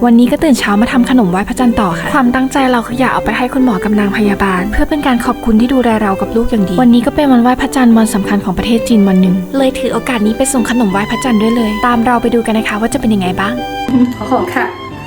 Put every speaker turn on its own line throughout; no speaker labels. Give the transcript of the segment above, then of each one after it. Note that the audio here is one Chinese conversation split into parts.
วันนี้ก็ตื่นเช้ามาทำขนมไหว้พระจันทร์ต่อค่ะความตั้งใจเราคืออยากเอาไปให้คุณหมอกับนางพยาบาลเพื่อเป็นการขอบคุณที่ดูแลเรากับลูกอย่างดีวันนี้ก็เป็นวันไหว้พระจันทร์วันสำคัญของประเทศจีนวันหนึ่งเลยถือโอกาสนี้ไปส่งขนมไหว้พระจันทร์ด้วยเลยตามเราไปดูกันนะคะว่าจะเป็นยังไงบ้าง
好好看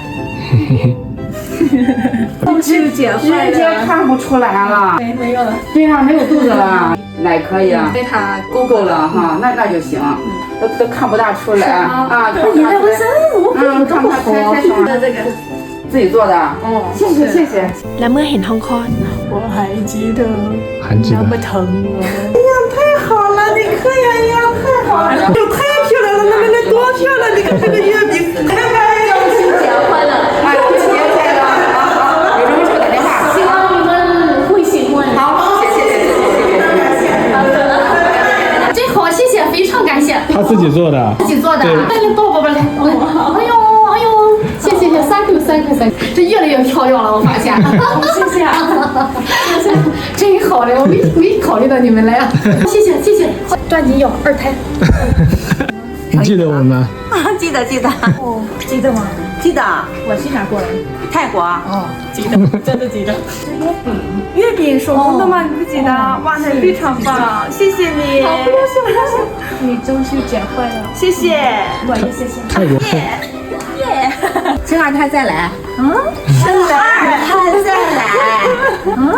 中秋节快乐！
直接看不出来了，
没有了，
对呀，没有肚子了，奶可以啊，
被他
够够了哈，那就行，都看不大出来啊，看不大出来，看不大开什么？
这个
自己做的，谢谢谢谢。
และเมื่อเห็นห้องคลอด
我还记得
还记得
那么疼我。哎呀，太好了，你看呀呀，太好了，这太漂亮了，那多漂亮！你看这个月饼，看看，中秋节快乐！
哎，中秋节快乐！有什么就打电话。
希望你们会喜欢。
好，谢谢谢谢谢谢。
好的，最好谢谢，非常感谢。
他自己做的，
自己做的，来来抱抱抱来，哎呦哎呦，谢谢谢，thank you，这越来越漂亮了，我发现。谢谢啊，谢谢，真好嘞，我没考虑到你们来啊，谢谢谢谢，抓紧要二胎。
你记得我们吗？
记得
哦，记得吗？
记得，
我去哪过来？
泰国
哦，记得，真的记得。
月饼手工的吗？你不记得？哇，那非常棒，谢谢你，
好，不要笑，不要笑。你中秋节快乐！
谢谢。
我也谢谢。
泰国
生二胎再来，生二胎再来，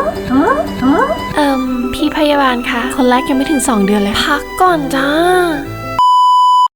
พี่พยาบาลคะคนแรกยังไม่ถึง2 เดือนเลยพักก่อนจ้า